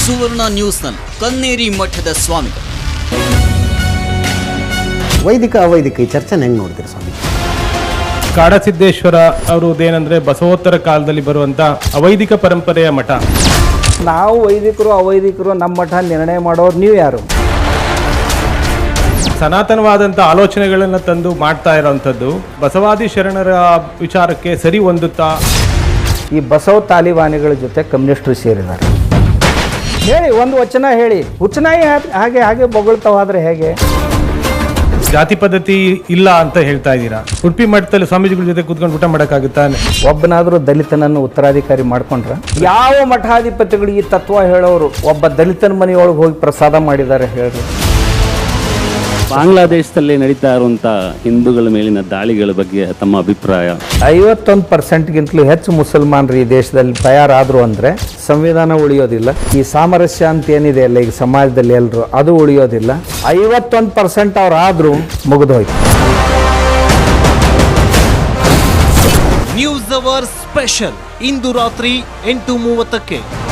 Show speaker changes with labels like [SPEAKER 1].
[SPEAKER 1] ಸುವರ್ಣ ನ್ಯೂಸ್ನಲ್ಲಿ ಕನ್ನೇರಿ ಮಠದ ಸ್ವಾಮಿಗಳು.
[SPEAKER 2] ವೈದಿಕ ಅವೈದಿಕ ಈ ಚರ್ಚೆನ ಹೆಂಗೆ ನೋಡ್ತೀರಿ ಸ್ವಾಮಿ?
[SPEAKER 3] ಕಾಡಸಿದ್ದೇಶ್ವರ ಅವರದೇನೆಂದರೆ ಬಸವೋತ್ತರ ಕಾಲದಲ್ಲಿ ಬರುವಂಥ ಅವೈದಿಕ ಪರಂಪರೆಯ ಮಠ.
[SPEAKER 4] ನಾವು ವೈದಿಕರು ಅವೈದಿಕರು ನಮ್ಮ ಮಠ ನಿರ್ಣಯ ಮಾಡೋರು ನೀವು ಯಾರು?
[SPEAKER 3] ಸನಾತನವಾದಂಥ ಆಲೋಚನೆಗಳನ್ನು ತಂದು ಮಾಡ್ತಾ ಇರೋವಂಥದ್ದು ಬಸವಾದಿ ಶರಣರ ವಿಚಾರಕ್ಕೆ ಸರಿ ಹೊಂದುತ್ತಾ?
[SPEAKER 4] ಈ ಬಸವ ತಾಲಿಬಾನಿಗಳ ಜೊತೆ ಕಮ್ಯುನಿಸ್ಟರು ಸೇರಿದ್ದಾರೆ. ಹೇಳಿ, ಒಂದು ವಚನ ಹೇಳಿ. ಹುಚ್ಚನಾಯಿ ಹಾಗೆ ಹಾಗೆ ಬೊಗಳ್ತಾವಾದ್ರೆ ಹೇಗೆ?
[SPEAKER 3] ಜಾತಿ ಪದ್ಧತಿ ಇಲ್ಲ ಅಂತ ಹೇಳ್ತಾ ಇದ್ದೀರಾ. ಉಡುಪಿ ಮಠದಲ್ಲಿ ಸ್ವಾಮೀಜಿಗಳ ಜೊತೆ ಕೂತ್ಕೊಂಡು ಊಟ ಮಾಡೋಕ್ಕಾಗುತ್ತಾ?
[SPEAKER 4] ಒಬ್ಬನಾದರೂ ದಲಿತನನ್ನು ಉತ್ತರಾಧಿಕಾರಿ ಮಾಡ್ಕೊಂಡ್ರ? ಯಾವ ಮಠಾಧಿಪತಿಗಳು ಈ ತತ್ವ ಹೇಳೋರು ಒಬ್ಬ ದಲಿತನ ಮನೆಯೊಳಗೆ ಹೋಗಿ ಪ್ರಸಾದ ಮಾಡಿದ್ದಾರೆ ಹೇಳ್ರಿ?
[SPEAKER 5] ಬಾಂಗ್ಲಾದೇಶದಲ್ಲಿ ನಡೀತಾ ಇರುವಂಥ ಹಿಂದೂಗಳ ಮೇಲಿನ ದಾಳಿಗಳ ಬಗ್ಗೆ ತಮ್ಮ ಅಭಿಪ್ರಾಯ?
[SPEAKER 4] 51%ಗಿಂತಲೂ ಹೆಚ್ಚು ಮುಸಲ್ಮಾನರು ಈ ದೇಶದಲ್ಲಿ ತಯಾರಾದರು ಅಂದರೆ ಸಂವಿಧಾನ ಉಳಿಯೋದಿಲ್ಲ. ಈ ಸಾಮರಸ್ಯ ಅಂತ ಏನಿದೆ ಅಲ್ಲ ಈಗ ಸಮಾಜದಲ್ಲಿ ಎಲ್ಲರೂ, ಅದು ಉಳಿಯೋದಿಲ್ಲ. 51% ಅವ್ರು ಆದರೂ ಮುಗಿದೋಯ್ತು.
[SPEAKER 1] ನ್ಯೂಸ್ ಅವರ್ ಸ್ಪೆಷಲ್ ಇಂದು ರಾತ್ರಿ 8:30ಕ್ಕೆ.